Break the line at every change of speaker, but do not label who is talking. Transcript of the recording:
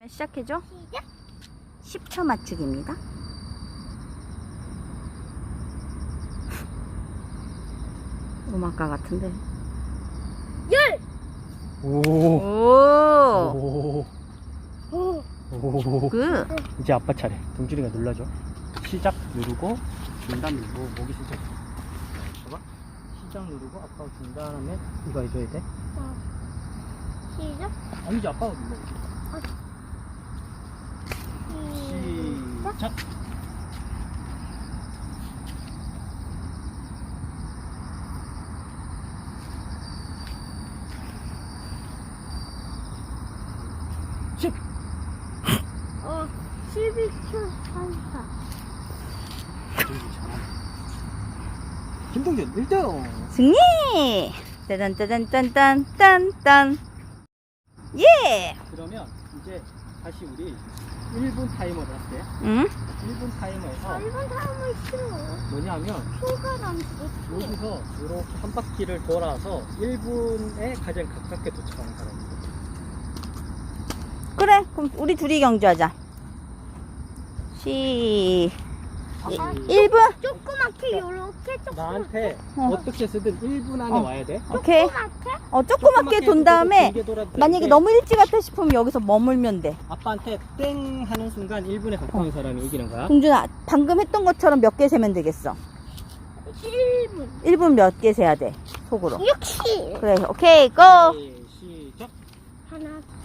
시작해줘.
시작.
10초 맞추기입니다. 음악가 같은데.
열.
오.
오.
오.
그.
이제 아빠 차례. 동준이가 눌러줘. 시작 누르고 중단 누르고 목이 진짜 봐봐. 시작 누르고 아빠가 중단하면 이거 해줘야 돼.
시작.
아니지 아빠가 눌러. 시작. 십.
12초 34.
김동준 1등.
승리! 딴딴딴딴딴딴. 예!
그러면 이제 다시 우리 1분 타이머를 할게.
응?
1분 타이머에서
1분 타임을 싫어.
뭐냐면
표가 남기고.
여기서 이렇게 한 바퀴를 돌아서 1분에 가장 가깝게 도착하는 사람이.
그래, 그럼 우리 둘이 경주하자. 1분?
조그맣게 요렇게 조그맣게.
나한테
어.
어떻게 쓰든 1분 안에 와야 돼.
오케이.
조그맣게.
조그맣게 돈 다음에
길게 돌아도
만약에
되는데
너무 일찍 왔다 싶으면 여기서 머물면 돼.
아빠한테 땡 하는 순간 1분에 가까운 사람이 이기는 거야.
동준아, 방금 했던 것처럼 몇 개 세면 되겠어?
1분.
1분 몇 개 세야 돼? 속으로.
60.
그래, 오케이, 고!
시작.
하나,